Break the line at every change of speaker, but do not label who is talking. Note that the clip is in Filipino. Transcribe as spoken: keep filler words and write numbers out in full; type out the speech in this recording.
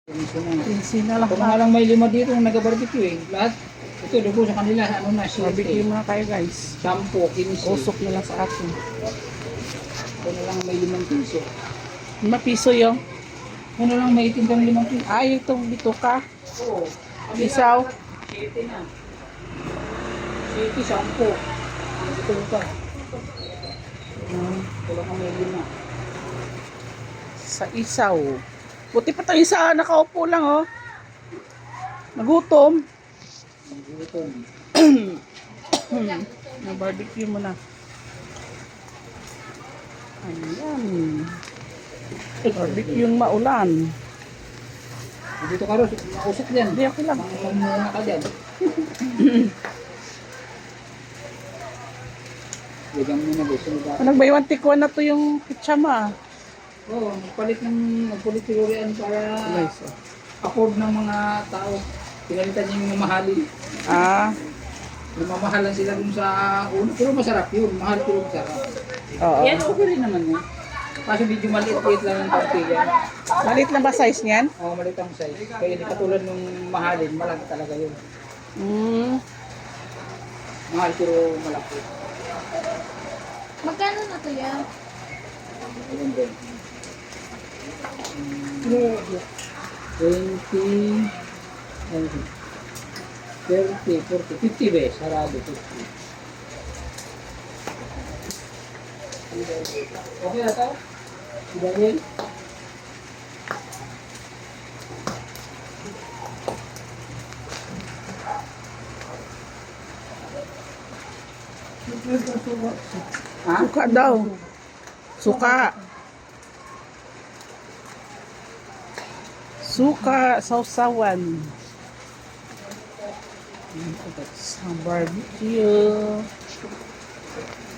Pinsi na lang.
Kung nga lang may lima dito yung nag-barbecue eh. Lahat, ito dugo sa kanila, ano na,
Barbecue
siyete,
muna kayo guys.
sampo, kinsi.
Usok na lang sa akin.
Ito na lang may limang piso.
Lima piso yung.
Ito na lang may tindang limang piso.
Ay, itong bituka.
Oo.
Isaw.
Siyete na. Siyete, sampo. Ito pa.
Hmm.
Ito lang ang may lima.
Sa isaw. Buti pa tayo isa, nakaupo lang oh. Nagutom.
Ito.
Na barbecue mo na. Ayan. Barbecue yung maulan.
Dito ka rin, mausok yan.
Hindi ako lang.
Mamuna ka dyan. Bigyan mo na gusto mo ba?
Nag-buy one take one na to yung pitsama.
Oo, magpalit ng, magpalit siguro yan para
Nice oh.
afford ng mga tao. Pinalitan niya yung mamahalin.
Ah,
Lumamahalan sila dun sa uno. Pero masarap yun. Mahal pero masarap.
oo.
Yan, okay rin naman yun. Kaso medyo maliit-liit lang ang tortilla.
Malit na ba size niyan?
Oo, maliit ang size. Kaya hindi katulad nung mahalin. Malaki talaga yun.
Hmm.
Mahal pero malaki.
Magkano na to yan?
Ayun din. twenty, thirty, forty, fifty be, sarado, fifty. Okay na ito? Si Daniel? Ha?
Suka daw. Suka. Suka, sausawan. Sa barbecue.